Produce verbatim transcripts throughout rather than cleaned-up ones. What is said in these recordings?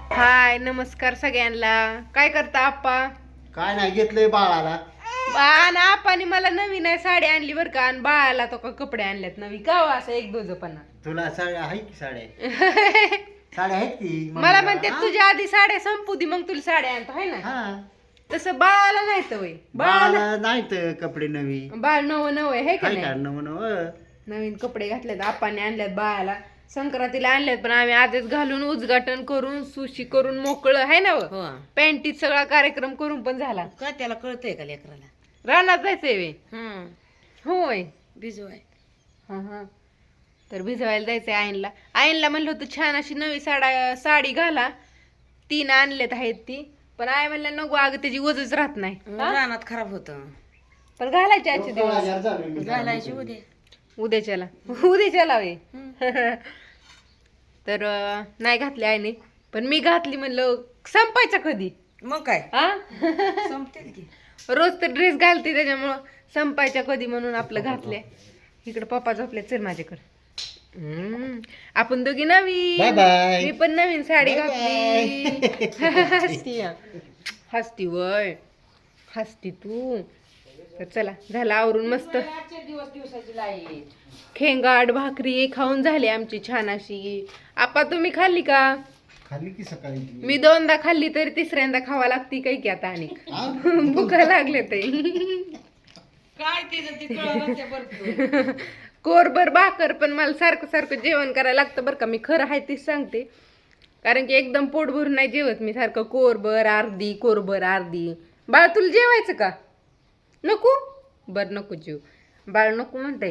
हाय नमस्कार सगळ्यांना. काय करता आप्पा? काय नाही घेतलंय बाळाला. आणि आप्पानी मला नवीन आहे साडी आणली बरं का, आणि बाळाला तो का कपडे आणलेत नवी का हो असं एक दोजपणा. तुला साड्या आहे की साड्या साड्या आहेत की मला म्हणते तुझ्या आधी साड्या संपू दे मग तुला साड्या आणतो है ना. हा तसं बाळाला नाही तर वय बाळाला बाळाला नाही तर कपडे नवी बाळ नव नव आहे हे का काय नाही. काढणं म्हण नवीन कपडे घातलेत आप्पाने आणल्यात बाळाला. संक्रांतीला आणल्यात पण आम्ही आधीच घालून उद्घाटन करून सुशी करून मोकळं आहे ना. हो पॅन्टीत सगळा कार्यक्रम करून पण झाला. का त्याला कळतंय का लेकराला? रानात जायचंय वे हं होय. भिजवाय. हा हा तर भिजवायला जायचंय आईनला. आईनला म्हणलं होतं छान अशी नवी साडा साडी घाला, तीन आणलेत आहेत ती, पण आई म्हणलं नको अगं त्याची वजच राहत नाही. हा? रानात खराब होत. पण घालायची आजचे दिवस घालायची उद्या. उद्याच्याला उद्याच्याला वे हं. तर अं, नाही घातली आईने, पण मी घातली म्हणलं संपायचं कधी. मग काय हा संपतील की. रोज तर ड्रेस घालते त्याच्यामुळं संपायच्या कधी म्हणून आपलं घातले. इकडे पप्पा झोपले, चल माझ्याकडे. हम्म आपण दोघी Bye नवीन bye. मी पण नवीन साडी Bye घातली. हसती हा. हसती वय हसती तू. तर चला झालं आवरून मस्त दिवस दिवसाची लाई. खेंगाड भाकरी खाऊन झाली आमची छान अशी. आपा तुम्ही खाल्ली का? खाली की सकाळी मी दोनदा खाल्ली तरी तिसऱ्यांदा खावा लागती काही की आता आणि भुका लागले ते. काय तिचं ती कळलं ते बरं. कोरभर भाकर पण मला सारखं सारखं जेवण करायला लागतं बरं का. मी खरं आहे तीच सांगते, कारण की एकदम पोट भरून नाही जेवत मी. सारखं कोरभर अर्धी कोरभर अर्धी. बाळ तुला जेवायचं का? नको बर नको जेव बाळ नको म्हणताय.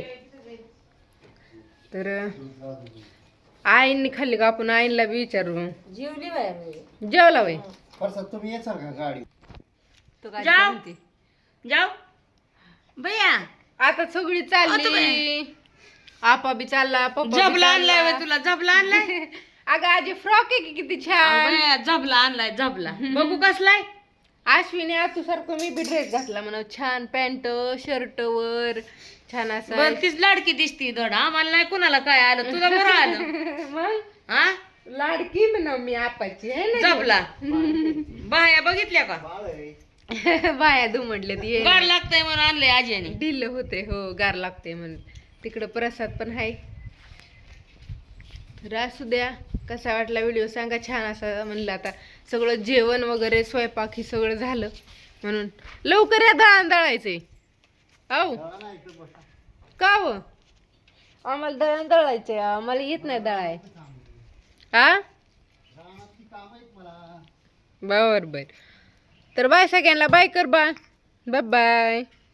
तर आईंनी खाल्ली का? आपण आईनला बी विचारू. जेवली बाय. जेवला वय परसात तुम्ही येचाल का गाडी? तो काय जाऊ. म्हणते? जाऊ भैया. आता सगळी चालली. आपा बी चालला, पप्पा बी झबला आणलाय चालला. व्हय तुला? झबला आणलाय? अगं आजी फ्रॉक आहे की किती छान. भैया झबला आणलाय झबला. बघू कसलाय. अश्विनी आतू सारखं मी बी ड्रेस घातला म्हणा. छान पॅन्ट शर्ट वर छान असं. बर तीच लाडकी दिसती धड. आम्हाला नाही कुणाला काय आलं, तुला बरं आलं. मग हा लाडकी म्हणा मी आपाची आहे ना. झबला. बाया बघितल्या का? बाळ आहे. बाया दुमडले ती गाड लागतंय म्हणून आणलंय आजीने. ढिल्ल होते हो, गार लागते म्हणून. तिकडं प्रसाद पण आहे. तर असू द्या. कसा वाटला व्हिडिओ सांगा. छान असा म्हणलं. आता सगळं जेवण वगैरे स्वयंपाक हे सगळं झालं म्हणून लवकर या दळण दळायचंय. औ बाळा नाही इकडं बसा. का व आम्हाला दळण दळायचंय, आम्हाला येत नाही दळाय. हा रानात ती कामं आहेत मला. बर बर. तर बाय सगळ्यांना बाय कर बा. Bye bye.